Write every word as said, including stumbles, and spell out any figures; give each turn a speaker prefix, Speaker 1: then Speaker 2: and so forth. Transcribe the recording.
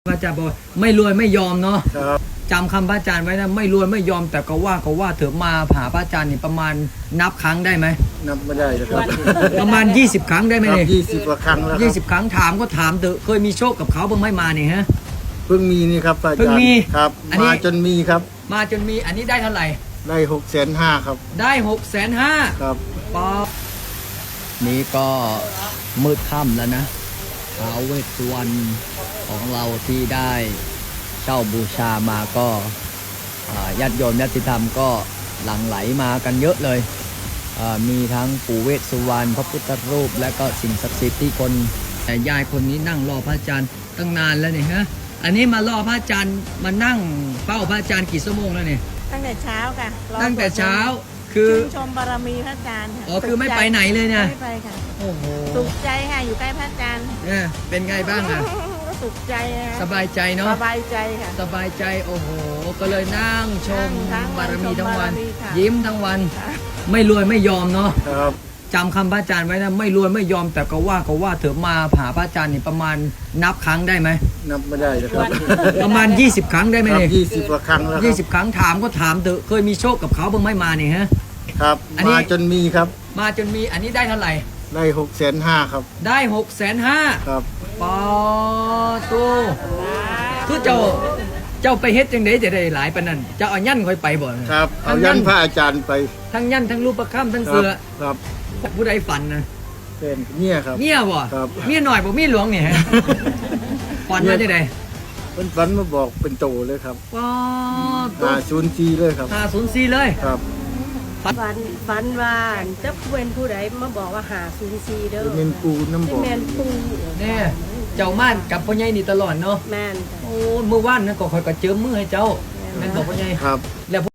Speaker 1: พระอาจารย์บอกไม่รวยไม่ยอมเนาะ
Speaker 2: ครับ
Speaker 1: จำคำพระอาจารย์ไว้นะไม่รวยไม่ยอมแต่ก็ว่าก็ว่าเถอะมาหาพระอาจารย์นี่ประมาณนับครั้งได้ไหม
Speaker 2: นับไม่ได้เลยครับ
Speaker 1: ประมาณยี่สิบครั้งได้ไหมเนี่ย
Speaker 2: ยี่สิบกว่าครั้งแล้วค
Speaker 1: ยี่
Speaker 2: รับ
Speaker 1: สิบครั้งถามก็ถามเถอะเคยมีโชคกับเขาบ้างไหมมาเนี่ยฮะ
Speaker 2: เพิ่งมีนี่ครับอาจารย์
Speaker 1: เพิ่งมี
Speaker 2: ครับ
Speaker 1: อันนี้
Speaker 2: มาจนมีครับ
Speaker 1: มาจนมีอันนี้ได้เท่าไหร่
Speaker 2: ได้หกแสนห้าครับ
Speaker 1: ได้หกแสนห้า
Speaker 2: ครับ
Speaker 1: ปอนี่ก็มืดค่ำแล้วนะท้าวเวสสุวรรณของเราที่ได้เช่าบูชามาก็อ่าญาติโยมญาติธรรมก็หลั่งไหลมากันเยอะเลยอ่ามีทั้งปู่เวสสุวรรณพระพุทธรูปและก็สิ่งศักดิ์สิทธิ์ที่คนแต่ยายคนนี้นั่งรอพระอาจารย์ตั้งนานแล้วเนี่ยฮะอันนี้มารอพระอาจารย์มานั่งเฝ้าพระอาจารย์กี่ชั่วโมงแล้วเนี่ย
Speaker 3: ตั้งแต่เช้าค่ะรอ
Speaker 1: ตั้งแต่เช้าคือ
Speaker 3: ชื่นชมบารมีพระอาจารย์ค่ะ
Speaker 1: อ๋อคือไม่ไปไหนเลยเนี่ย
Speaker 3: ไม่ไปค่ะ
Speaker 1: โอ้โห
Speaker 3: สุขใจค่ะอยู่ใกล้พระอาจารย์
Speaker 1: เนี่ยเป็นไงบ้างอ่ะ
Speaker 3: ก็สุขใจค่ะ
Speaker 1: สบายใจเนาะ
Speaker 3: สบายใจค่ะ
Speaker 1: สบายใจโอ้โห ก็เลยนั่งชม
Speaker 3: นั่งทั้งวัน
Speaker 1: บารมีทั้งวัน
Speaker 3: ชมบารมีค่ะ
Speaker 1: ยิ้มทั้งวัน
Speaker 3: ค่ะ
Speaker 1: ไม่รวยไม่ยอมเนาะ
Speaker 2: ครับ
Speaker 1: จำคำพระอาจารย์ไว้นะไม่รวยไม่ยอมแต่ก็ว่าก็ว่าเถอะมาหาพระอาจารย์นี่ประมาณนับครั้งได้ไหม
Speaker 2: นับไม่ได้เลยครับ
Speaker 1: ประมาณยี่สิบครั้งได้ไหม
Speaker 2: ครับ
Speaker 1: เนี่ย
Speaker 2: ยี่สิบกว่าครั้งแล้วค
Speaker 1: ยี่
Speaker 2: รับ
Speaker 1: สิบครั้งถามก็ถามเถอะเคยมีโชคกับเขาบ้างไหมมาเนี่ยฮะ
Speaker 2: ครับ
Speaker 1: อันนี้
Speaker 2: มาจนมีครับ
Speaker 1: มาจนมีอันนี้ได้เท่าไหร่
Speaker 2: ได้หกแสนห้าครับ
Speaker 1: ได้หกแสนห้า
Speaker 2: ครับ
Speaker 1: ปอตูคือเจ้าเจ้าไปเฮ็ดจังไดจะได้หลายปานนั้นเจ้าเอายันค่อยไปบ่
Speaker 2: ครับเอา
Speaker 1: ทั้ง
Speaker 2: ยั
Speaker 1: ยั
Speaker 2: น
Speaker 1: น
Speaker 2: พระอาจารย์ไป
Speaker 1: ทั้งยันทั้งรูปประคำทั้ง
Speaker 2: ครั
Speaker 1: เสือ
Speaker 2: ครับ
Speaker 1: ผู้ใดฝันนะ
Speaker 2: เป็นเนี่ยครับ
Speaker 1: เมียบ่
Speaker 2: ครับ
Speaker 1: เมียหน่อยบ่เมียหลวงเนี่ยฮะฝันว่าจังได
Speaker 2: เป็นฝันมาบอกเป็นโตเลยครับ
Speaker 1: ปอตู
Speaker 2: หาศูนย์จีเลยครับ
Speaker 1: ห้าศูนย์สี่เลย
Speaker 2: ครับ
Speaker 3: ฝันฝันว่าจะเป็นผู้ใดมาบอกว่าหาซูนซีเด้อ
Speaker 2: เป็นเมนปูน้ำบ
Speaker 3: ที่
Speaker 2: อก
Speaker 3: แมนปู
Speaker 1: เนี่ยเจ้าม่านกับพ่อใหญ่นี่ตลอดเนาะ
Speaker 3: แมนค่ะ
Speaker 1: โอ้เมื่อวานนั้นก็ค่อยก็เจิมมือให้เจ้าแม่นบอกพ่อใหญ่
Speaker 2: ครับ
Speaker 1: แล้ว